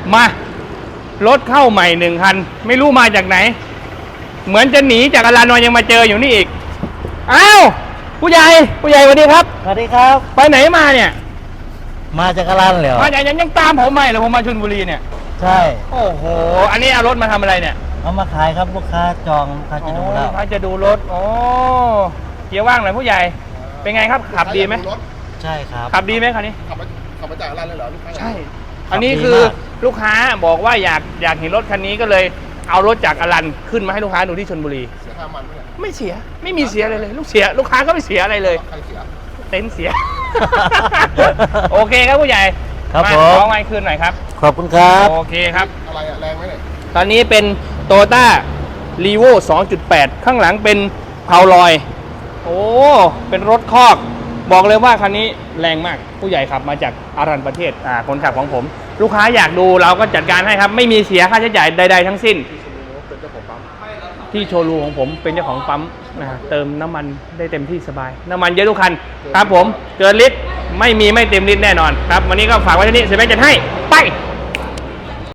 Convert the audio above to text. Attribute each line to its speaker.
Speaker 1: มารถเข้าใหม่1 คันไม่รู้มาจากไหนเหมือนจะหนีจากอลานอยยังมาเจออยู่นี่อีกอ้าวผู้ใหญ่สวัสดีครับ
Speaker 2: สวัสดีครับ
Speaker 1: ไปไหนมาเนี่ย
Speaker 2: มาจากอลันเหรอ
Speaker 1: มาจากยังตามผมมาเหรอผมมาชลบุรีเนี่ย
Speaker 2: ใช่
Speaker 1: โอ้โหอันนี้เอารถมาทำอะไรเนี่ย
Speaker 2: เอามาขายครับลูกค้าจองลูกค้าจะดูแล้ว
Speaker 1: ลูกค้าจะดูรถโอ้เกียร์ว่างหน่อยผู้ใหญ่เป็นไงครับขับดีไหม
Speaker 2: ใช่ครับ
Speaker 1: ขับดีไหมคันนี้
Speaker 3: ขับมาจากอลันเลยเหรอลูกค้า
Speaker 1: ใช่อันนี้คือลูกค้าบอกว่าอยากเห็นรถคันนี้ก็เลยเอารถจากอลันขึ้นมาให้ลูกค้าดูที่ชลบุรี
Speaker 3: เสียค่ามัน
Speaker 1: ไม่เสียไม่มีเสียเลยลูกค้าก็ไม่เสียอะไรเลย
Speaker 3: ใครเสีย
Speaker 1: เต็นท์เสีย โอเคครับผู้ใหญ่
Speaker 2: ครับผม
Speaker 1: ขอไมค์คืนหน่อยครับ
Speaker 2: ขอบคุณครับ
Speaker 1: โอเคครับ
Speaker 3: อะไรอะแรงไหมเนี่ย
Speaker 1: ตอนนี้เป็นโตโยต้ารีโว 2.8 ข้างหลังเป็นเพาลอยโอ้เป็นรถคอกบอกเลยว่าคันนี้แรงมากผู้ใหญ่ขับมาจากอารันประเทศคนขับของผมลูกค้าอยากดูเราก็จัดการให้ครับไม่มีเสียค่าใช้จ่ายใดๆทั้งสิ้นที่โชว์รูมของผมเป็นเจ้าของปั๊มนะเติมน้ำมันได้เต็มที่สบายน้ำมันเยอะทุกคันครับผมเกินลิตรไม่เต็มลิตรแน่นอนครับวันนี้ก็ฝากไว้ที่นี่เซเว่นจัดให้ไป